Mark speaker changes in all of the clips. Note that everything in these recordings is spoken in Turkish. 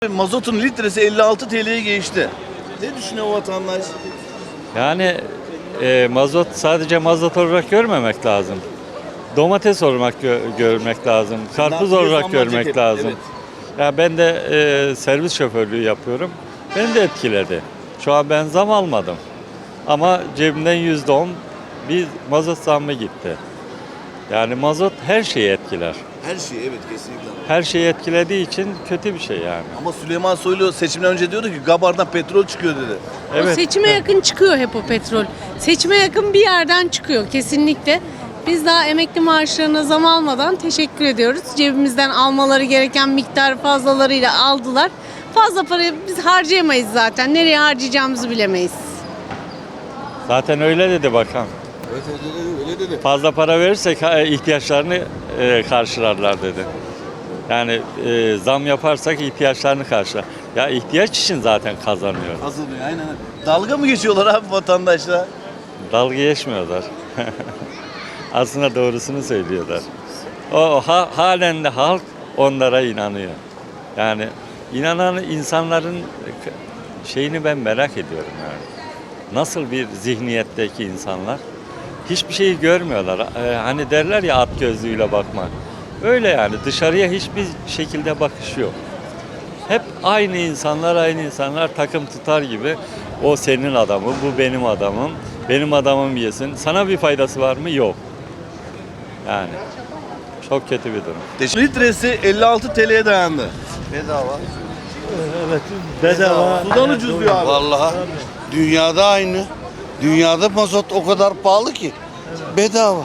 Speaker 1: Mazotun litresi 56 TL'ye geçti. Ne düşünüyor o vatandaş?
Speaker 2: Yani mazot sadece mazot olarak görmemek lazım. Domates olarak görmek lazım. Karpuz olarak görmek lazım.
Speaker 1: Evet.
Speaker 2: Ya ben de servis şoförlüğü yapıyorum. Beni de etkiledi. Şu an ben zam almadım. Ama cebimden %10 bir mazot zammı gitti. Yani mazot her şeyi etkiler.
Speaker 1: Her şey, evet, kesinlikle.
Speaker 2: Her şeyi etkilediği için kötü bir şey yani.
Speaker 1: Ama Süleyman Soylu seçimden önce diyordu ki Gabar'dan petrol çıkıyor dedi.
Speaker 2: Evet.
Speaker 3: O seçime yakın çıkıyor hep o petrol. Seçime yakın bir yerden çıkıyor kesinlikle. Biz daha emekli maaşlarına zam almadan teşekkür ediyoruz. Cebimizden almaları gereken miktar fazlalarıyla aldılar. Fazla parayı biz harcayamayız zaten. Nereye harcayacağımızı bilemeyiz.
Speaker 2: Zaten öyle dedi bakan.
Speaker 1: Evet, öyle dedi.
Speaker 2: Fazla para verirsek ihtiyaçlarını karşılarlar dedi. Yani zam yaparsak ihtiyaçlarını karşılar. Ya ihtiyaç için zaten kazanıyor.
Speaker 1: Kazanıyor, aynen. Dalga mı geçiyorlar abi vatandaşla?
Speaker 2: Dalga geçmiyorlar. Aslında doğrusunu söylüyorlar. Halen de halk onlara inanıyor. Yani inanan insanların şeyini ben merak ediyorum yani. Nasıl bir zihniyetteki insanlar? Hiçbir şeyi görmüyorlar. Hani derler ya at gözlüğüyle bakma. Öyle yani dışarıya hiçbir şekilde bakış yok. Hep aynı insanlar takım tutar gibi. O senin adamı, bu benim adamım, benim adamım yesin. Sana bir faydası var mı? Yok. Yani çok kötü bir durum.
Speaker 1: Litresi 56 TL'ye dayandı.
Speaker 4: Bedava.
Speaker 5: Evet, bedava.
Speaker 1: Sudan ucuz diyor abi.
Speaker 4: Vallahi dünyada aynı. Dünyada mazot o kadar pahalı ki. Bedava.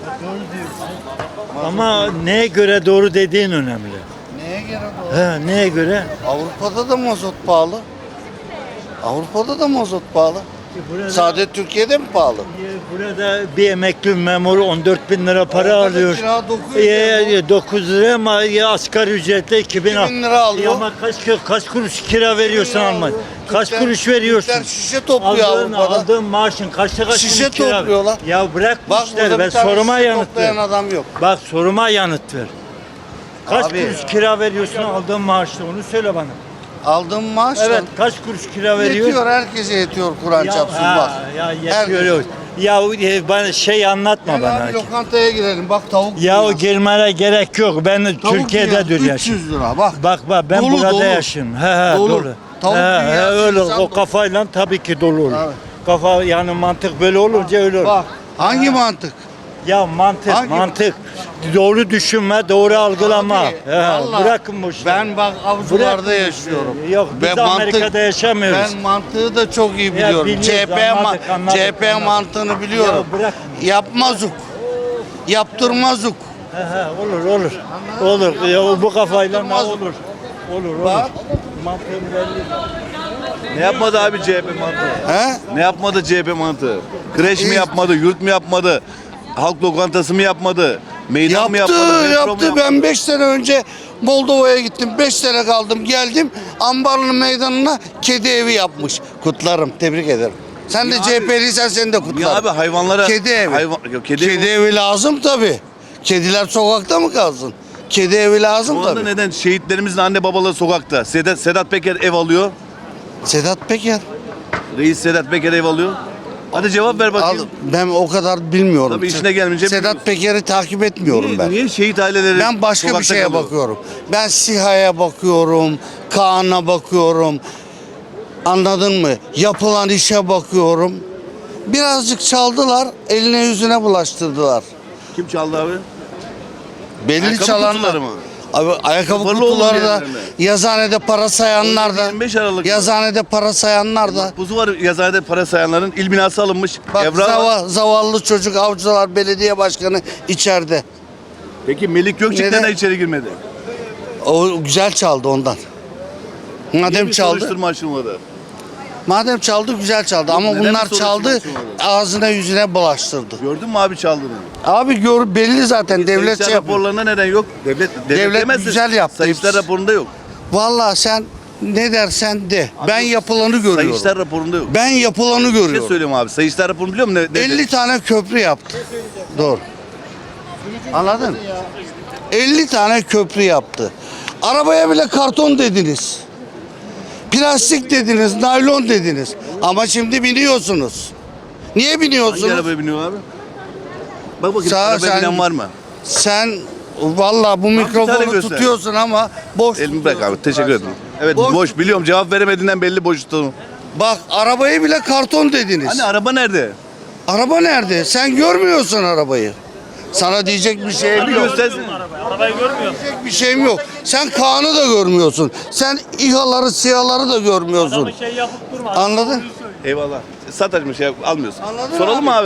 Speaker 5: Ama neye göre doğru dediğin önemli.
Speaker 4: Neye göre doğru?
Speaker 5: He, neye göre?
Speaker 4: Avrupa'da da mazot pahalı. Avrupa'da da mazot pahalı. Sadece Türkiye'de mi pahalı?
Speaker 5: Burada bir emekli memur 14 bin lira para
Speaker 4: Avrupa'da
Speaker 5: alıyor.
Speaker 4: kira 900 lira.
Speaker 5: 9 lira ama asgari ücretle 2000
Speaker 4: 2000 lira alıyor.
Speaker 5: Ama kaç kuruş kira veriyorsun Almanya? Kaç
Speaker 4: Türkler-
Speaker 5: kuruş veriyorsun?
Speaker 4: Türkler şişe topluyor Avrupa'da.
Speaker 5: Aldığın maaşın kaçta
Speaker 4: Şişe
Speaker 5: kira?
Speaker 4: topluyorlar.
Speaker 5: Ya bırak bu
Speaker 4: Bak
Speaker 5: işleri,
Speaker 4: burada
Speaker 5: ben
Speaker 4: bir tane
Speaker 5: soruma
Speaker 4: şişe
Speaker 5: yanıt
Speaker 4: toplayan
Speaker 5: ver.
Speaker 4: adam yok.
Speaker 5: Bak soruma yanıt ver. Kaç
Speaker 4: Abi.
Speaker 5: kuruş kira veriyorsun aldığın maaşta onu söyle bana.
Speaker 4: Aldığım maaş
Speaker 5: Evet kaç kuruş kira veriyor?
Speaker 4: yetiyor, herkese yetiyor Kur'an çapsın bak.
Speaker 5: Ya
Speaker 4: Herkes.
Speaker 5: yetiyor. Ya bana şey anlatma
Speaker 4: Gel
Speaker 5: bana.
Speaker 4: abi lokantaya girelim, bak tavuk
Speaker 5: Ya
Speaker 4: dünyası.
Speaker 5: girmene gerek yok. Ben
Speaker 4: Tavuk
Speaker 5: Türkiye'de
Speaker 4: dünyası,
Speaker 5: dur
Speaker 4: 300
Speaker 5: yaşıyorum.
Speaker 4: lira bak.
Speaker 5: Bak ben
Speaker 4: Dolu,
Speaker 5: burada
Speaker 4: dolu.
Speaker 5: yaşıyorum.
Speaker 4: Dolu.
Speaker 5: Dolu.
Speaker 4: Tavuk dünyası,
Speaker 5: öyle
Speaker 4: insan
Speaker 5: o
Speaker 4: dolu.
Speaker 5: kafayla tabii ki dolu olur.
Speaker 4: Evet.
Speaker 5: Kafa yani mantık böyle olunca öyle olur.
Speaker 4: Bak hangi mantık?
Speaker 5: Ya mantık
Speaker 4: Hangi-
Speaker 5: mantık. Doğru düşünme, doğru algılama.
Speaker 4: Abi, vallahi
Speaker 5: Bırakın bu işleri.
Speaker 4: Ben bak avcılarda
Speaker 5: Bırakın.
Speaker 4: yaşıyorum.
Speaker 5: Yok biz de Amerika'da yaşamıyoruz.
Speaker 4: Ben mantığı da çok iyi biliyorum.
Speaker 5: biliyoruz, anladık.
Speaker 4: CHP mantığını biliyorum.
Speaker 5: Ya bırak.
Speaker 4: Yapmazuk. Yaptırmazuk.
Speaker 5: Olur. Olur. Ya, bu kafayla ne
Speaker 4: Olmaz.
Speaker 5: olur.
Speaker 4: Bak.
Speaker 5: Mantığım belli.
Speaker 1: Ne yapmadı abi CHP mantığı?
Speaker 4: He?
Speaker 1: Ne yapmadı CHP mantığı? Kreş mi yapmadı, yurt mu yapmadı? Halk lokantası mı yapmadı? Meydan mı yapmadı? metro mu
Speaker 4: Yaptı. Ben 5 sene önce Moldova'ya gittim. 5 sene kaldım. Geldim. Ambarlı meydanına kedi evi yapmış. Kutlarım. Tebrik ederim. Sen de
Speaker 1: Niye abi?
Speaker 4: CHP'liysen seni de
Speaker 1: Niye
Speaker 4: kutlarım.
Speaker 1: abi hayvanlara...
Speaker 4: Kedi evi.
Speaker 1: Yok,
Speaker 4: Kedi
Speaker 1: evi.
Speaker 4: evi lazım tabii. Kediler sokakta mı kalsın? Kedi evi lazım
Speaker 1: Şu anda
Speaker 4: tabii.
Speaker 1: neden şehitlerimizin anne babaları sokakta? Sedat Peker ev alıyor.
Speaker 4: Sedat Peker.
Speaker 1: Reis Sedat Peker ev alıyor. Hadi cevap ver
Speaker 4: Al,
Speaker 1: bakayım.
Speaker 4: ben o kadar bilmiyorum.
Speaker 1: Tabii işine gelmeyince
Speaker 4: Sedat
Speaker 1: bilmiyorsun.
Speaker 4: Peker'i takip etmiyorum ben.
Speaker 1: Niye şehit aileleri
Speaker 4: Ben başka bir
Speaker 1: sokakta
Speaker 4: şeye
Speaker 1: kalıyor?
Speaker 4: bakıyorum. Ben SİHA'ya bakıyorum, Kaan'a bakıyorum. Anladın mı? Yapılan işe bakıyorum. Birazcık çaldılar, eline yüzüne bulaştırdılar.
Speaker 1: Kim çaldı abi?
Speaker 4: Belli
Speaker 1: Ayakkabı
Speaker 4: çalanlar.
Speaker 1: kutuları mı?
Speaker 4: Abi ayakkabı
Speaker 1: Sıfırlı
Speaker 4: kutuları
Speaker 1: olun
Speaker 4: da,
Speaker 1: diyenler mi?
Speaker 4: yazıhanede para sayanlar da,
Speaker 1: 25 Aralık.
Speaker 4: yazıhanede para sayanlar da.
Speaker 1: Buzu var yazıhanede para sayanların il binası alınmış.
Speaker 4: Bak
Speaker 1: Evra var.
Speaker 4: zavallı çocuk Avcılar Belediye Başkanı içeride.
Speaker 1: Peki Melik Gökçek
Speaker 4: Neden?
Speaker 1: neden içeri girmedi?
Speaker 4: O güzel çaldı ondan.
Speaker 1: Niye
Speaker 4: Madem
Speaker 1: bir
Speaker 4: çaldı.
Speaker 1: soruşturma açılmadı?
Speaker 4: Madem çaldı güzel çaldı ama
Speaker 1: neden bir
Speaker 4: bunlar
Speaker 1: soruşturma
Speaker 4: çaldı
Speaker 1: açılmadı?
Speaker 4: ağzına yüzüne bulaştırdı.
Speaker 1: Gördün mü abi çaldığını?
Speaker 4: Abi belli zaten devlet
Speaker 1: Sayıştay
Speaker 4: şey yapıyor.
Speaker 1: raporlarında neden yok? Devlet demezsin.
Speaker 4: güzel yaptı.
Speaker 1: Sayıştay raporunda yok.
Speaker 4: Vallahi sen ne dersen de ben yapılanı görüyorum.
Speaker 1: Sayıştay raporunda yok.
Speaker 4: Ben yapılanı
Speaker 1: Bir şey
Speaker 4: görüyorum.
Speaker 1: söyleyeyim abi. Sayıştay raporunu biliyor musun?
Speaker 4: 50 tane köprü yaptı. Doğru. Anladın? 50 tane köprü yaptı. Arabaya bile karton dediniz. Plastik dediniz, naylon dediniz. Ama şimdi biniyorsunuz. Niye
Speaker 1: Hangi
Speaker 4: biniyorsunuz?
Speaker 1: arabaya biniyor abi? Bak bakayım
Speaker 4: Sağ ol,
Speaker 1: arabaya
Speaker 4: sen-
Speaker 1: binen var mı?
Speaker 4: Sen vallahi bu
Speaker 1: tane
Speaker 4: mikrofonu
Speaker 1: göster.
Speaker 4: tutuyorsun ama boş
Speaker 1: Elimi bırak abi. Teşekkür ederim. Evet
Speaker 4: Boş-
Speaker 1: boş biliyorum. Cevap veremediğinden belli boş tuttum.
Speaker 4: Bak arabayı bile karton dediniz.
Speaker 1: Hani araba nerede?
Speaker 4: Araba nerede? Sen görmüyorsun arabayı. Sana diyecek bir şeyim
Speaker 1: Bir
Speaker 4: yok.
Speaker 1: göstersin.
Speaker 4: Diyecek bir şeyim yok. Sen Kaan'ı da görmüyorsun. Sen İHA'ları, SİHA'ları da görmüyorsun. Anladın?
Speaker 1: Eyvallah. Satarım şey almıyorsun.
Speaker 4: Anladın
Speaker 1: Soralım mı abi?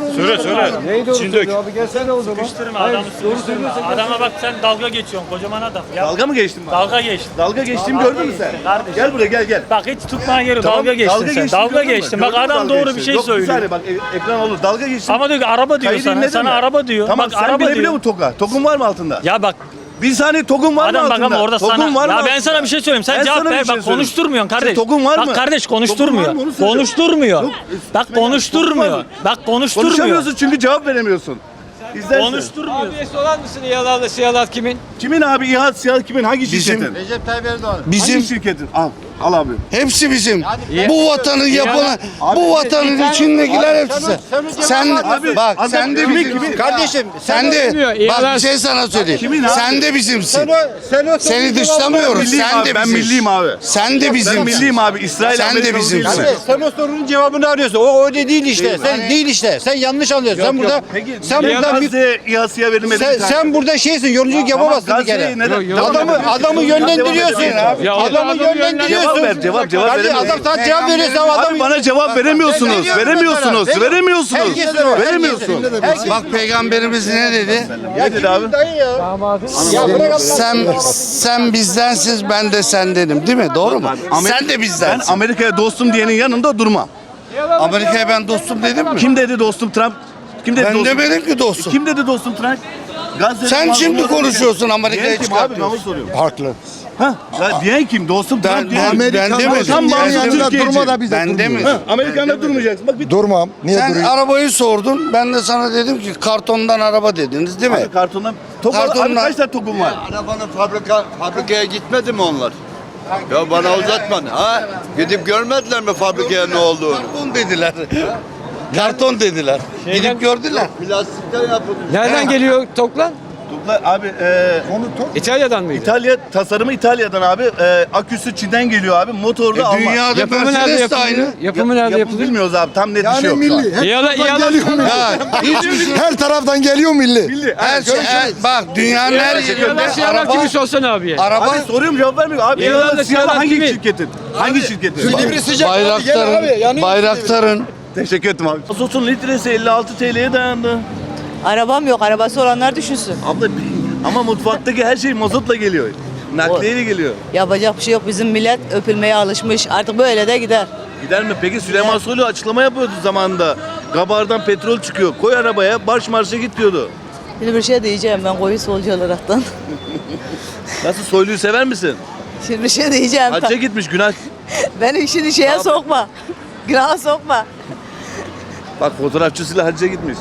Speaker 6: Sıkıştırma adamı sıkıştırma. Adama bak sen dalga geçiyorsun kocaman adam. Ya,
Speaker 1: Dalga mı geçtin bana?
Speaker 6: dalga geçtin.
Speaker 1: Dalga geçtiğimi gördün mü sen?
Speaker 6: Kardeşim.
Speaker 1: Gel buraya gel.
Speaker 6: Bak hiç tutmaya gerek yok.
Speaker 1: Tamam,
Speaker 6: Dalga geçtin sen.
Speaker 1: geçtiğimi
Speaker 6: Dalga
Speaker 1: gördün mü?
Speaker 6: geçtin. Bak
Speaker 1: Gördün mü
Speaker 6: adam
Speaker 1: dalga
Speaker 6: doğru bir
Speaker 1: geçtiğimi?
Speaker 6: şey
Speaker 1: Yok, bir
Speaker 6: söylüyor.
Speaker 1: saniye bak ekran olur. Dalga geçtim.
Speaker 6: Ama diyor ki araba diyor
Speaker 1: Kaydı
Speaker 6: sana.
Speaker 1: dinledin
Speaker 6: Sana
Speaker 1: mi?
Speaker 6: araba diyor.
Speaker 1: Tamam
Speaker 6: bak
Speaker 1: sen
Speaker 6: araba
Speaker 1: bilebiliyor
Speaker 6: diyor.
Speaker 1: musun Toga? Togun var mı altında?
Speaker 6: Ya bak
Speaker 1: Bir saniye Togun var mı
Speaker 6: adam
Speaker 1: altında?
Speaker 6: bak ama orada
Speaker 1: Togun
Speaker 6: sana.
Speaker 1: var mı
Speaker 6: Ya ben
Speaker 1: altında?
Speaker 6: sana bir şey söyleyeyim. Sen
Speaker 1: Ben
Speaker 6: cevap
Speaker 1: sana bir
Speaker 6: ver.
Speaker 1: şey
Speaker 6: Bak
Speaker 1: söyleyeyim.
Speaker 6: konuşturmuyorsun kardeş.
Speaker 1: Senin Togun var mı?
Speaker 6: Bak kardeş
Speaker 1: Togun var
Speaker 6: konuşturmuyor.
Speaker 1: mı? Onu söyle.
Speaker 6: Konuşturmuyor.
Speaker 1: Yok,
Speaker 6: Bak
Speaker 1: Togun var
Speaker 6: konuşturmuyor.
Speaker 1: mı?
Speaker 6: Bak konuşturmuyor.
Speaker 1: Konuşamıyorsun çünkü cevap veremiyorsun. İzlersin.
Speaker 6: Konuşturmuyor.
Speaker 7: Sorar mısın İHA'larla SİHA'lar kimin?
Speaker 1: Kimin abi İHA, SİHA kimin? Hangi
Speaker 4: Bizim-
Speaker 1: şirketin?
Speaker 7: Recep Tayyip Erdoğan.
Speaker 1: Hangi
Speaker 4: Bizim
Speaker 1: şirketin? Al abi.
Speaker 4: hepsi bizim. Bu vatanı yapılan, bu vatanın içindekiler hepsi. Sen
Speaker 1: Abi,
Speaker 4: bak
Speaker 1: adam
Speaker 4: sen de
Speaker 1: kimin,
Speaker 4: bizim.
Speaker 1: kimin?
Speaker 7: Kardeşim
Speaker 4: Sen de bak bir şey sana söyleyeyim.
Speaker 1: Kimin abi?
Speaker 4: Sen de bizimsin.
Speaker 7: sen
Speaker 4: Seni dışlamıyoruz.
Speaker 1: Milliyim
Speaker 4: Sen
Speaker 1: abi,
Speaker 4: de
Speaker 1: ben
Speaker 4: bizimsin.
Speaker 1: milliyim abi.
Speaker 4: Sen de
Speaker 1: Ben
Speaker 4: bizimsin.
Speaker 1: milliyim abi. İsrail
Speaker 4: Sen de
Speaker 1: Amerikalı
Speaker 4: bizimsin.
Speaker 1: değilim.
Speaker 7: Sen o sorunun cevabını arıyorsun. O öyle değil işte. Sen değil işte. Sen yanlış anlıyorsun. Sen burada
Speaker 1: Peki
Speaker 7: sen burada
Speaker 1: Gazze İHA'sıya verilmedi.
Speaker 7: sen burada şeysin. Yorumculuk yapamazsın bir kere. Adamı yönlendiriyorsun. Adamı yönlendiriyorsun.
Speaker 1: Cevap
Speaker 7: Kardeşim,
Speaker 1: veremiyorsun.
Speaker 7: adam sana cevap veriyor. Sen adamı
Speaker 1: Abi bana cevap veremiyorsunuz. Veremiyorsunuz.
Speaker 7: Herkes var.
Speaker 1: Veremiyorsun.
Speaker 4: Bak peygamberimiz ne dedi?
Speaker 1: Ne dedi abi?
Speaker 4: Sen bizdensiz ben de sendenim değil mi? Doğru mu? Sen de
Speaker 1: Ben
Speaker 4: bizdensin.
Speaker 1: Amerika'ya dostum diyenin yanında durmam.
Speaker 4: Amerika'ya ben dostum dedim mi?
Speaker 1: Kim dedi dostum Trump? Kim dedi
Speaker 4: Ben
Speaker 1: dostum?
Speaker 4: demedim ki dostum.
Speaker 1: Kim dedi dostum Trump? Gazze'de
Speaker 4: Sen
Speaker 1: mazlumları
Speaker 4: şimdi
Speaker 1: diyen
Speaker 4: konuşuyorsun
Speaker 1: kim?
Speaker 4: Amerika'ya
Speaker 1: Diyen kim abi? Ben onu
Speaker 4: çıkartıyorsun.
Speaker 1: soruyorum.
Speaker 4: Haklı.
Speaker 1: Ha, diyen kim? Dostum
Speaker 4: Ben,
Speaker 1: Trump diyen
Speaker 4: ben, ben demedim.
Speaker 1: Tam bağımsız
Speaker 4: Ben
Speaker 1: Türkiye'ci.
Speaker 4: Ben demedim.
Speaker 1: Amerika'da durmayacaksın. Bak bir
Speaker 8: Durmam. Niye
Speaker 4: Sen
Speaker 8: durayım?
Speaker 4: arabayı sordun. Ben de sana dedim ki kartondan araba dediniz değil mi?
Speaker 1: Abi kartondan. Abi
Speaker 4: Kartondan-
Speaker 1: kaç tane tokum var?
Speaker 9: Arabanın fabrikaya gitmedi mi onlar? Ya bana uzatma. Ha? Gidip görmediler mi fabrikaya ne olduğunu?
Speaker 4: Karton dediler. Karton dediler. Gidip gördüler.
Speaker 9: Plastikten yapılmış.
Speaker 7: Nereden geliyor toplan?
Speaker 1: Topla abi
Speaker 7: İtalya'dan mıydı?
Speaker 1: İtalya tasarımı İtalya'dan abi. Aküsü Çin'den geliyor abi. Motoru da Alman.
Speaker 4: Dünyada
Speaker 7: Yapımı nerede
Speaker 4: Mercedes de aynı.
Speaker 7: yapılıyor? Yapımı nerede
Speaker 1: Yapım
Speaker 7: yapılıyor?
Speaker 1: bilmiyoruz abi. Tam net bir şey
Speaker 8: Yani
Speaker 1: yok. şu an.
Speaker 8: milli. Her
Speaker 7: İHA'lar
Speaker 8: taraftan geliyor milli.
Speaker 4: Ya, hiçbir şey.
Speaker 8: Her taraftan geliyor milli.
Speaker 4: Bak dünyanın her yerinde
Speaker 7: SİHA'lar
Speaker 4: araba,
Speaker 7: kimi sorsana abiye.
Speaker 4: araba
Speaker 1: Abi soruyorum cevap vermiyor. Abi
Speaker 7: İHA'lar
Speaker 1: İHA'lar
Speaker 7: da
Speaker 1: SİHA'lar
Speaker 7: SİHA'lar
Speaker 1: hangi
Speaker 7: kimin?
Speaker 1: şirketin? Hangi şirketin?
Speaker 4: Bayraktar'ın
Speaker 1: Teşekkür ederim abi. Mazotun litresi 56 TL'ye dayandı.
Speaker 10: Arabam yok. Arabası olanlar düşünsün.
Speaker 1: Abla ama mutfaktaki her şey mazotla geliyor. Nakliyeyle geliyor.
Speaker 10: Yapacak bir şey yok. Bizim millet öpülmeye alışmış. Artık böyle de gider.
Speaker 1: Gider mi? Peki Süleyman Soylu açıklama yapıyordu zamanında. Gabardan petrol çıkıyor. Koy arabaya marş marşa git diyordu.
Speaker 10: Şimdi bir şey diyeceğim ben koyu solcu olaraktan.
Speaker 1: Nasıl Soylu'yu sever misin?
Speaker 10: Şimdi bir şey diyeceğim.
Speaker 1: Hacca gitmiş günah.
Speaker 10: Beni şimdi şeye sokma. Günaha sokma.
Speaker 1: Bak fotoğrafçısıyla hacca gitmiş.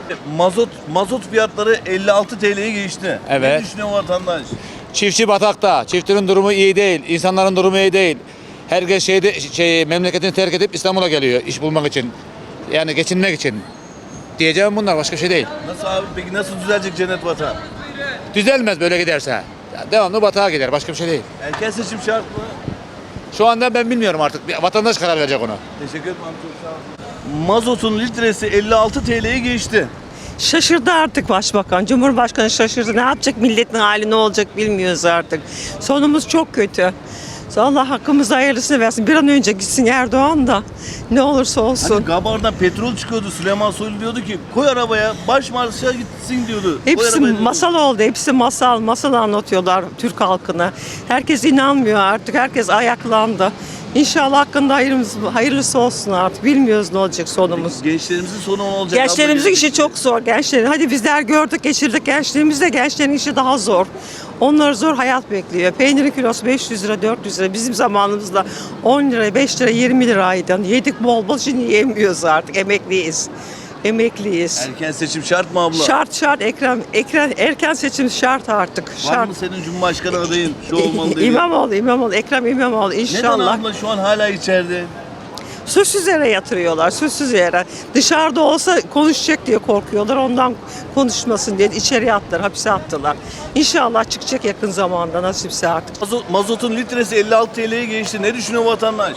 Speaker 1: Mazot fiyatları 56 TL'ye geçti.
Speaker 11: Evet.
Speaker 1: Ne düşünüyor vatandaş?
Speaker 11: Çiftçi batakta. Çiftçinin durumu iyi değil. İnsanların durumu iyi değil. Herkes memleketini terk edip İstanbul'a geliyor iş bulmak için. Yani geçinmek için. Diyeceğim bunlar başka bir şey değil.
Speaker 1: Nasıl abi peki nasıl düzelecek cennet vatan?
Speaker 11: Düzelmez böyle giderse. Ya devamlı batağa gider başka bir şey değil.
Speaker 1: Erken seçim şart mı?
Speaker 11: Şu anda ben bilmiyorum artık. Vatandaş karar verecek ona.
Speaker 1: Teşekkür ederim abi çok sağ olun. Mazotun litresi 56 TL'ye geçti.
Speaker 12: Şaşırdı artık başbakan. Cumhurbaşkanı şaşırdı. Ne yapacak milletin hali ne olacak bilmiyoruz artık. Sonumuz çok kötü. Allah hakkımızda hayırlısını versin. Bir an önce gitsin Erdoğan da ne olursa olsun.
Speaker 1: Hani Gabar'dan petrol çıkıyordu. Süleyman Soylu diyordu ki koy arabaya baş marşa gitsin diyordu. Koy
Speaker 12: Hepsi
Speaker 1: arabaya diyordu.
Speaker 12: masal oldu. Hepsi masal anlatıyorlar Türk halkına. Herkes inanmıyor artık. Herkes ayaklandı. İnşallah hakkında hayırlısı olsun artık. Bilmiyoruz ne olacak sonumuz.
Speaker 1: Gençlerimizin sonu ne olacak?
Speaker 12: Gençlerimizin
Speaker 1: abla?
Speaker 12: işi çok zor. Gençlerin. Hadi bizler gördük, geçirdik. Gençliğimizde gençlerin işi daha zor. Onları zor hayat bekliyor. Peynirin kilosu 500 lira, 400 lira. Bizim zamanımızda 10 lira, 5 lira, 20 liraydı. Yedik bol bol, şimdi yemiyoruz artık. Emekliyiz. Emekliyiz.
Speaker 1: Erken seçim şart mı abla?
Speaker 12: Şart erken seçim şart artık.
Speaker 1: Var
Speaker 12: Şart.
Speaker 1: mı senin Cumhurbaşkanı adayın? Şu olmalı dediğin.
Speaker 12: İmamoğlu, Ekrem İmamoğlu
Speaker 1: Neden
Speaker 12: inşallah.
Speaker 1: abla şu an hala içeride?
Speaker 12: Suçsuz yere yatırıyorlar, suçsuz yere. Dışarıda olsa konuşacak diye korkuyorlar, ondan konuşmasın diye içeriye attılar, hapse attılar. İnşallah çıkacak yakın zamanda nasipse artık.
Speaker 1: Mazotun litresi 56 TL'ye geçti. Ne düşünüyor vatandaş?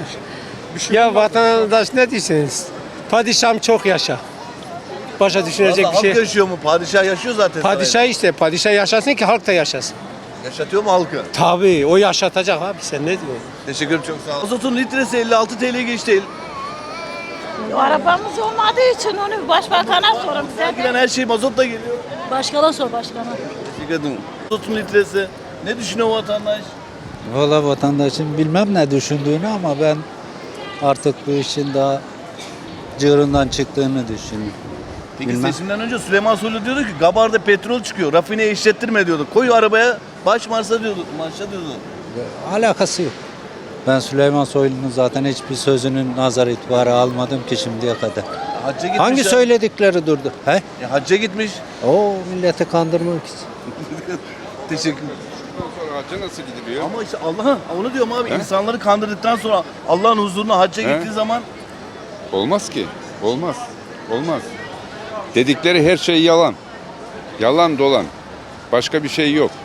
Speaker 7: Ya vatandaş ne diyorsunuz? Padişahım çok yaşa. Başa düşünecek
Speaker 1: Vallahi
Speaker 7: bir
Speaker 1: halk
Speaker 7: şey.
Speaker 1: yaşıyor mu? Padişah yaşıyor zaten.
Speaker 7: Padişah işte, padişah yaşasın ki halk da yaşasın.
Speaker 1: Yaşatıyor mu halkı?
Speaker 7: Tabii o yaşatacak abi, sen ne diyorsun?
Speaker 1: Teşekkür ederim, çok sağ olun. Mazotun litresi 56 TL'ye geçti.
Speaker 10: Arabamız olmadığı için onu başbakana sorun.
Speaker 1: Giren her şey mazotla geliyor.
Speaker 10: Başkana sor başkana.
Speaker 1: Teşekkür ederim. Mazotun litresi. Ne düşünüyor vatandaş?
Speaker 5: Valla vatandaşın bilmem ne düşündüğünü ama ben artık bu işin daha cığırından çıktığını düşünüyorum.
Speaker 1: Peki
Speaker 5: Bilmem.
Speaker 1: seçimden önce Süleyman Soylu diyordu ki Gabar'da petrol çıkıyor. Rafineye işlettirme diyordu. Koy arabaya baş marşa diyordu.
Speaker 5: Alakası yok. Ben Süleyman Soylu'nun zaten hiçbir sözünün nazar itibarı almadım ki şimdiye kadar.
Speaker 1: Hacca gitmiş.
Speaker 5: Hangi
Speaker 1: ya.
Speaker 5: söyledikleri durdu? He?
Speaker 1: Hacca gitmiş.
Speaker 5: O milleti kandırmak için.
Speaker 1: Teşekkür ederim.
Speaker 9: Hacca nasıl gidiliyor?
Speaker 1: Ama işte Allah'ın onu diyorum abi, insanları kandırdıktan sonra Allah'ın huzuruna hacca gittiği zaman
Speaker 9: Olmaz ki. Olmaz. Olmaz. Dedikleri her şey yalan. Yalan dolan. Başka bir şey yok.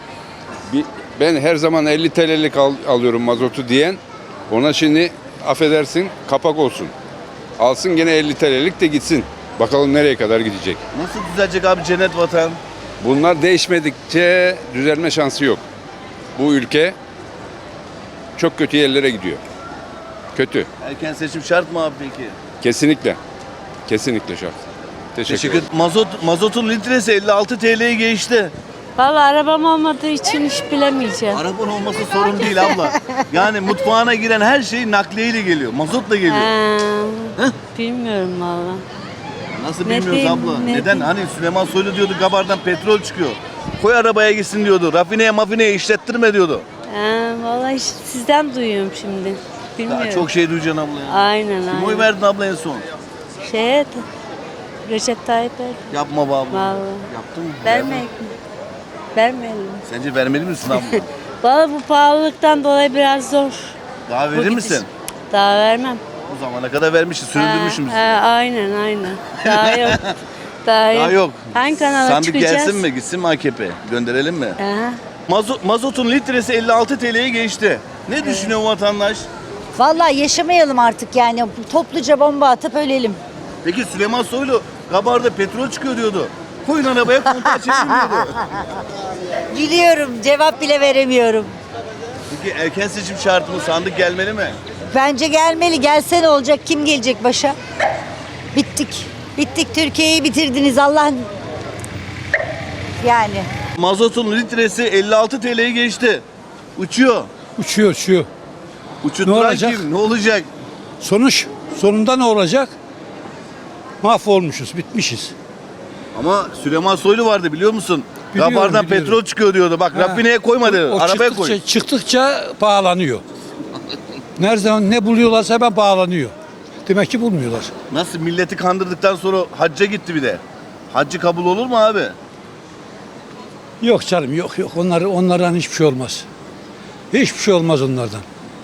Speaker 9: Ben her zaman 50 TL'lik alıyorum mazotu diyen, ona şimdi affedersin kapak olsun. Alsın gene 50 TL'lik de gitsin. Bakalım nereye kadar gidecek.
Speaker 1: nasıl düzelecek abi cennet vatan?
Speaker 9: Bunlar değişmedikçe düzelme şansı yok. Bu ülke çok kötü yerlere gidiyor. Kötü.
Speaker 1: Erken seçim şart mı abi peki?
Speaker 9: Kesinlikle. Kesinlikle şart. Teşekkür ederim.
Speaker 1: Mazotun litresi 56 TL'ye geçti.
Speaker 10: Vallahi arabam olmadığı için hiç bilemeyeceğim.
Speaker 1: Arabanın olması sorun değil abla. Yani mutfağına giren her şey nakliyeyle geliyor. Mazotla geliyor.
Speaker 10: Bilmiyorum valla.
Speaker 1: Nasıl
Speaker 10: Ne
Speaker 1: bilmiyoruz
Speaker 10: diyeyim,
Speaker 1: abla?
Speaker 10: ne
Speaker 1: Neden?
Speaker 10: diyeyim?
Speaker 1: Hani Süleyman Soylu diyordu Gabar'dan petrol çıkıyor. Koy arabaya gitsin diyordu. Rafineye işlettirme diyordu.
Speaker 10: Vallahi sizden duyuyorum şimdi. Bilmiyorum.
Speaker 1: Daha çok şey duyacaksın abla ya.
Speaker 10: Aynen
Speaker 1: Kim oy verdin abla en son?
Speaker 10: Recep Tayyip Erdoğan.
Speaker 1: Yapma be abla.
Speaker 10: Vallahi.
Speaker 1: Yaptın mı?
Speaker 10: Vermeyelim. Vermeyelim.
Speaker 1: Sence vermeli misin abla?
Speaker 10: Vallahi bu pahalılıktan dolayı biraz zor.
Speaker 1: Daha verir misin?
Speaker 10: Daha vermem.
Speaker 1: O zamana kadar vermişiz, süründürmüşüm bizi.
Speaker 10: Aynen. Daha yok. Daha
Speaker 1: yok.
Speaker 10: Hangi kanala
Speaker 1: Sandık
Speaker 10: çıkacağız?
Speaker 1: gelsin mi, gitsin mi AKP? Gönderelim mi?
Speaker 10: Aha.
Speaker 1: Mazotun litresi 56 TL'ye geçti. Ne düşünüyor vatandaş?
Speaker 10: Vallahi yaşamayalım artık yani. Topluca bomba atıp ölelim.
Speaker 1: Peki Süleyman Soylu Gabar'da petrol çıkıyor diyordu. Koyun arabaya kontağı çekin diyordu.
Speaker 10: Biliyorum. Cevap bile veremiyorum.
Speaker 1: Peki erken seçim şartı mı? Sandık gelmeli mi?
Speaker 10: Bence gelmeli. Gelse ne olacak? Kim gelecek başa? Bittik. Türkiye'yi bitirdiniz. Allah yani.
Speaker 1: Mazotun litresi 56 TL'ye geçti. Uçuyor.
Speaker 7: Uçuyor.
Speaker 1: Uçutturan
Speaker 7: Ne olacak?
Speaker 1: kim? Ne olacak?
Speaker 7: Sonunda ne olacak? Mahvolmuşuz, bitmişiz.
Speaker 1: Ama Süleyman Soylu vardı biliyor musun?
Speaker 7: Biliyorum,
Speaker 1: Gabar'dan
Speaker 7: biliyorum.
Speaker 1: petrol çıkıyor diyordu. Bak rafineye koymadı. Arabaya koy.
Speaker 7: Çıktıkça pahalanıyor. Nereden ne buluyorlarsa hemen pahalanıyor. Demek ki bulmuyorlar.
Speaker 1: Nasıl milleti kandırdıktan sonra hacca gitti bir de. Haccı kabul olur mu abi?
Speaker 7: Yok canım yok. Onlardan hiçbir şey olmaz. Hiçbir şey olmaz onlardan.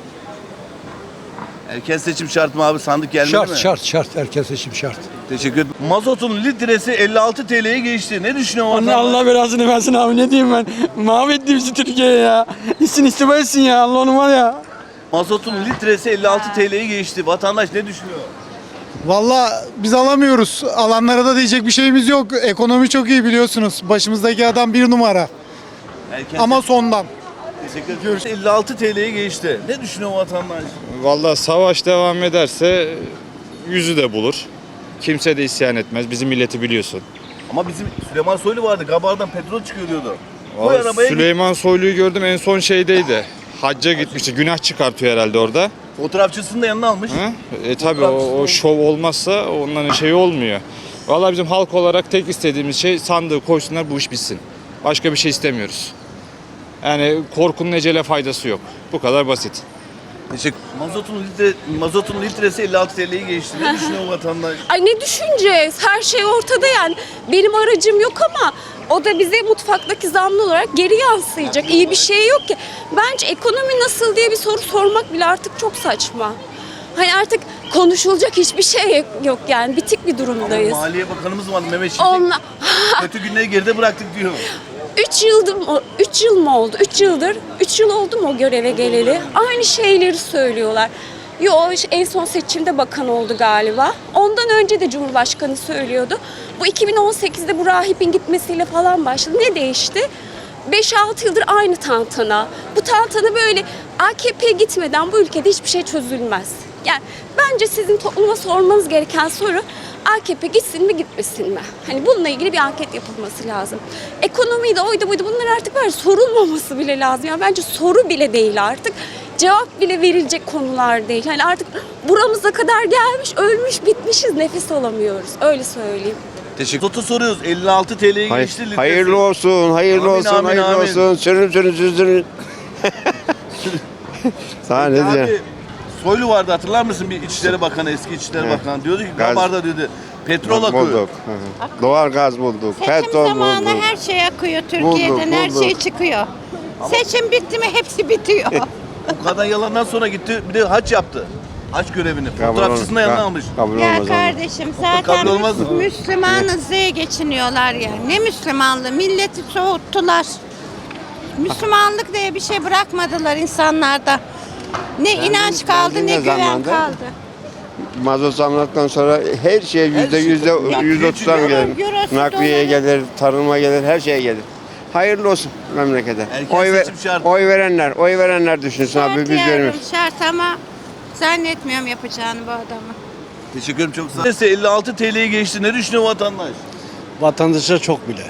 Speaker 1: Erken seçim şart mı abi? Sandık gelmeli mi?
Speaker 7: Şart. Erken seçim şart.
Speaker 1: Teşekkür ederim. Mazotun litresi 56 TL'ye geçti. Ne düşünüyorsun?
Speaker 7: Allah Allah belasını versin abi, ne diyeyim ben. Mahvetti bizi Türkiye ya. İçsin istifa etsin ya, Allah onu var ya.
Speaker 1: Mazotun litresi 56 TL'ye geçti. Vatandaş ne düşünüyor?
Speaker 8: Valla biz alamıyoruz. Alanlara da diyecek bir şeyimiz yok. Ekonomi çok iyi biliyorsunuz. Başımızdaki adam bir numara.
Speaker 1: Erken
Speaker 8: Ama sondan.
Speaker 1: Teşekkür ederim. 56 TL'ye geçti. Ne düşünüyor vatandaş?
Speaker 13: Vallahi savaş devam ederse yüzü de bulur. Kimse de isyan etmez. Bizim milleti biliyorsun.
Speaker 1: Ama bizim Süleyman Soylu vardı. Gabar'dan petrol çıkıyor diyordu. Koy
Speaker 13: Vallahi
Speaker 1: arabaya
Speaker 13: Süleyman Soylu'yu gördüm en son şeydeydi. Hacca gitmişti. Günah çıkartıyor herhalde orada.
Speaker 1: Fotoğrafçısını da yanına almış.
Speaker 13: Tabii o şov olmazsa onların şeyi olmuyor. Vallahi bizim halk olarak tek istediğimiz şey sandığı koysunlar, bu iş bitsin. Başka bir şey istemiyoruz. Yani korkunun ecele faydası yok. Bu kadar basit.
Speaker 1: Mazotun litresi 56 TL'yi geçti. Ne düşünüyor vatandaş?
Speaker 3: Ay ne düşüneceğiz? Her şey ortada yani. Benim aracım yok ama o da bize mutfaktaki zamlı olarak geri yansıyacak. İyi bir şey yok ki. Bence ekonomi nasıl diye bir soru sormak bile artık çok saçma. Hani artık konuşulacak hiçbir şey yok yani. Bitik bir durumdayız.
Speaker 1: Maliye Bakanımız var Mehmet Şimşek.
Speaker 3: Onunla...
Speaker 1: Kötü günleri geride bıraktık diyor.
Speaker 3: 3 yıl mı oldu? 3 yıl oldu mu o göreve geleli? Aynı şeyleri söylüyorlar. Yo en son seçimde bakan oldu galiba. Ondan önce de Cumhurbaşkanı söylüyordu. Bu 2018'de bu rahibin gitmesiyle falan başladı. Ne değişti? 5-6 yıldır aynı tantana. Bu tantana böyle AKP gitmeden bu ülkede hiçbir şey çözülmez. Yani bence sizin topluma sormanız gereken soru AKP gitsin mi gitmesin mi? Hani bununla ilgili bir anket yapılması lazım. Ekonomiyi de oydu buydu bunlar artık var sorulmaması bile lazım. Yani bence soru bile değil artık. Cevap bile verilecek konular değil. Hani artık buramıza kadar gelmiş, ölmüş, bitmişiz, nefes alamıyoruz. Öyle söyleyeyim.
Speaker 1: Mazotu soruyoruz. 56 TL'yi geçti litresi.
Speaker 7: Hayırlı olsun, hayırlı
Speaker 1: Amin,
Speaker 7: olsun,
Speaker 1: amin,
Speaker 7: hayırlı
Speaker 1: amin.
Speaker 7: olsun. Sürün. Sana ne diyeceğim?
Speaker 1: Abi Soylu vardı hatırlar mısın? Bir İçişleri Bakanı, eski İçişleri Bakanı diyordu ki
Speaker 7: Gaz-
Speaker 1: Gabar'da diyordu petrol akıyor.
Speaker 7: Bulduk. Doğal gaz bulduk. Petrol bulduk.
Speaker 10: her şey akıyor
Speaker 7: Türkiye'den, her şey
Speaker 10: çıkıyor. Seçim bitti mi hepsi bitiyor.
Speaker 1: Bu kadar yalandan sonra gitti bir de haç yaptı. Haç görevini. Fotoğrafçısını da yanına almış.
Speaker 7: Kabul olmaz ama.
Speaker 10: kardeşim
Speaker 1: Kabul olmaz mı?
Speaker 10: Müslümanız diye geçiniyorlar ya. Ne Müslümanlığı? Milleti soğuttular. Müslümanlık diye bir şey bırakmadılar insanlarda. Ne inanç kaldı ne
Speaker 7: ne
Speaker 10: güven
Speaker 7: zamanda?
Speaker 10: kaldı.
Speaker 7: Mazot zamladıktan sonra her şeye %130'dan gelir.
Speaker 10: Eurosu,
Speaker 7: Nakliye
Speaker 10: doları.
Speaker 7: gelir, tarıma gelir, her şeye gelir. Hayırlı olsun memlekete.
Speaker 1: Erken seçim şart.
Speaker 7: Oy verenler düşünsün abi biz vermiyoruz.
Speaker 10: Şart ama zannetmiyorum yapacağını bu adamı.
Speaker 1: Teşekkür ederim çok sağ ol. 56 TL'yi geçti. Ne düşünüyor vatandaş?
Speaker 8: Vatandaşa çok bile.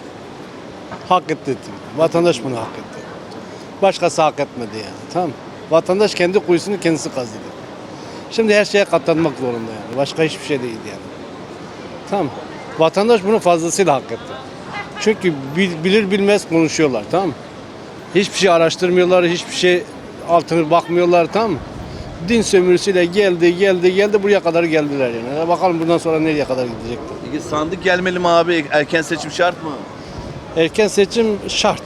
Speaker 8: Hak etti. Vatandaş bunu hak etti. Başkası hak etmedi yani. Tamam. Vatandaş kendi kuyusunu kendisi kazıdı. Şimdi her şeye katlanmak zorunda yani. Başka hiçbir şey değil yani. Tamam. Vatandaş bunu fazlasıyla hak etti. Çünkü bilir bilmez konuşuyorlar, tamam mı? Hiçbir şey araştırmıyorlar, hiçbir şey altına bakmıyorlar, tamam mı? Din sömürüsüyle geldi buraya kadar geldiler yani. Bakalım bundan sonra nereye kadar gidecekler.
Speaker 1: Peki sandık gelmeli mi abi? Erken seçim şart mı?
Speaker 8: Erken seçim şart.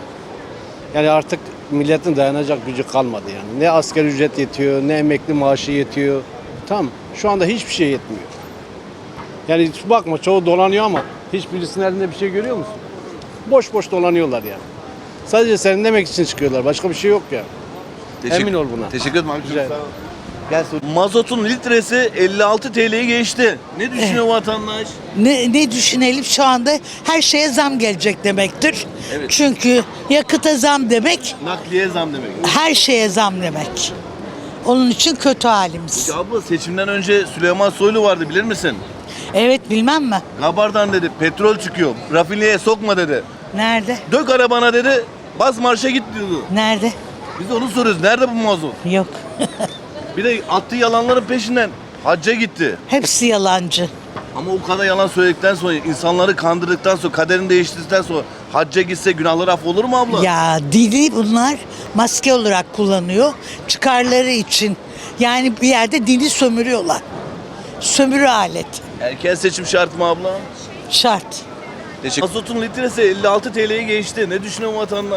Speaker 8: Yani artık milletin dayanacak gücü kalmadı yani. Ne asgari ücret yetiyor, ne emekli maaşı yetiyor. Tamam. Şu anda hiçbir şey yetmiyor. Yani bakma çoğu dolanıyor ama hiçbirisinin elinde bir şey görüyor musun? Boş boş dolanıyorlar yani. Sadece serinlemek için çıkıyorlar. Başka bir şey yok ya. Emin ol buna.
Speaker 1: Teşekkür ederim abi. Çok
Speaker 8: Rica
Speaker 1: sağ ol. Mazotun litresi 56 TL'yi geçti. Ne düşünüyor vatandaş?
Speaker 10: Ne düşünelim şu anda her şeye zam gelecek demektir.
Speaker 1: Evet.
Speaker 10: Çünkü yakıta zam demek
Speaker 1: Nakliye zam demek.
Speaker 10: her şeye zam demek. Onun için kötü halimiz.
Speaker 1: Peki abla seçimden önce Süleyman Soylu vardı bilir misin?
Speaker 10: Evet bilmem mi?
Speaker 1: Gabar'dan dedi petrol çıkıyor. Rafineye sokma dedi.
Speaker 10: Nerede?
Speaker 1: Dök arabana dedi. Bas marşa git diyordu.
Speaker 10: Nerede?
Speaker 1: Biz de onu soruyoruz. Nerede bu mazot?
Speaker 10: Yok.
Speaker 1: Bir de attığı yalanların peşinden hacca gitti.
Speaker 10: Hepsi yalancı.
Speaker 1: Ama o kadar yalan söyledikten sonra, insanları kandırdıktan sonra, kaderini değiştirdikten sonra hacca gitse günahları affolur mu abla?
Speaker 10: Ya dini bunlar maske olarak kullanıyor. Çıkarları için. Yani bir yerde dini sömürüyorlar. Sömürü aleti.
Speaker 1: Erken seçim şart mı abla?
Speaker 10: Şart.
Speaker 1: Mazotun litresi 56 TL'yi geçti. Ne düşünüyor vatandaş?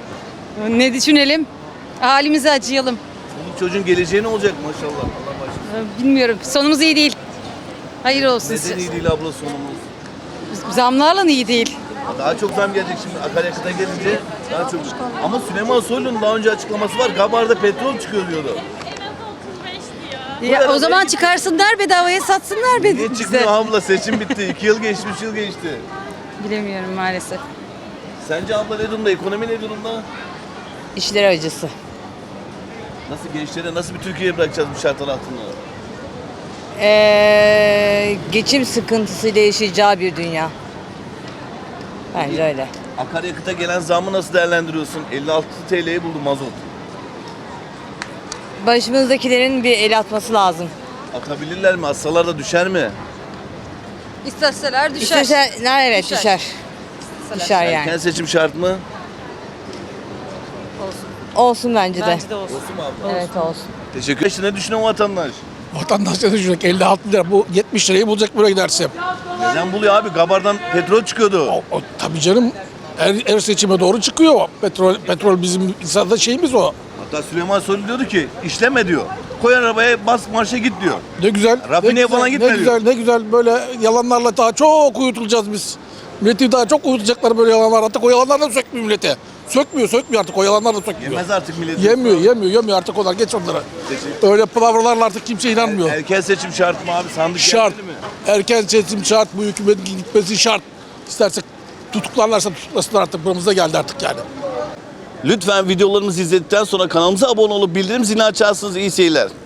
Speaker 3: Ne düşünelim? Halimize acıyalım.
Speaker 1: Bu çocuğun geleceği ne olacak maşallah? Allah başlasın.
Speaker 3: Bilmiyorum. Sonumuz iyi değil. Hayır olsun.
Speaker 1: Neden iyi değil abla sonumuz?
Speaker 3: Zamlarla iyi değil.
Speaker 1: Daha çok zam gelecek şimdi akaryakıta gelince daha çok. Ama Süleyman Soylu'nun daha önce açıklaması var. Gabar'da petrol çıkıyor diyordu.
Speaker 3: Ya, o zaman çıkarsınlar bedavaya satsınlar
Speaker 1: Niye çıkmıyor abla? Seçim bitti. 2 yıl geçti, 3 yıl geçti.
Speaker 3: Bilemiyorum maalesef.
Speaker 1: Sence abla ne durumda? Ekonomi ne durumda?
Speaker 3: İşler acısı.
Speaker 1: Nasıl gençlere nasıl bir Türkiye bırakacağız bu şartlar altında?
Speaker 3: Geçim sıkıntısıyla yaşayacağı bir dünya. Bence öyle.
Speaker 1: Akaryakıta gelen zammı nasıl değerlendiriyorsun? 56 TL'yi buldu mazot.
Speaker 3: Başımızdakilerin bir el atması lazım.
Speaker 1: Atabilirler mi? Atsalar da düşer mi?
Speaker 3: İsteseler düşer. Evet düşer. Düşer yani.
Speaker 1: Erken seçim şart mı?
Speaker 3: Olsun bence de.
Speaker 12: Bence de olsun.
Speaker 3: Evet olsun.
Speaker 1: Teşekkür ederim. Ne düşünüyor vatandaş?
Speaker 7: Vatandaş ne düşünecek? 56 lira bu 70 lirayı bulacak buraya giderse.
Speaker 1: Neden buluyor abi? Gabar'dan petrol çıkıyordu.
Speaker 7: Tabii canım her seçime doğru çıkıyor. Petrol bizim insanda şeyimiz o.
Speaker 1: Hatta Süleyman Soylu diyordu ki işleme diyor. Koy arabaya bas marşa git diyor.
Speaker 7: Ne güzel.
Speaker 1: Rafineye falan gitme
Speaker 7: Ne
Speaker 1: diyor.
Speaker 7: güzel, ne güzel böyle yalanlarla daha çok uyutulacağız biz. Milleti daha çok uyutacaklar böyle yalanlar. Artık o yalanlar da sökmüyor millete. Sökmüyor artık o yalanlar da sökmüyor.
Speaker 1: Yemez artık millet.
Speaker 7: Yemiyor artık onlar geç onlara. Öyle palavralarla artık kimse inanmıyor.
Speaker 1: Erken seçim şart mı abi? Sandık
Speaker 7: Şart.
Speaker 1: gelmeli mi?
Speaker 7: Erken seçim şart, bu hükümetin gitmesi şart. İstersek tutuklarlarsa tutuklasınlar artık buramıza geldi artık yani.
Speaker 1: Lütfen videolarımızı izledikten sonra kanalımıza abone olup bildirim zilini açarsınız. İyi seyirler.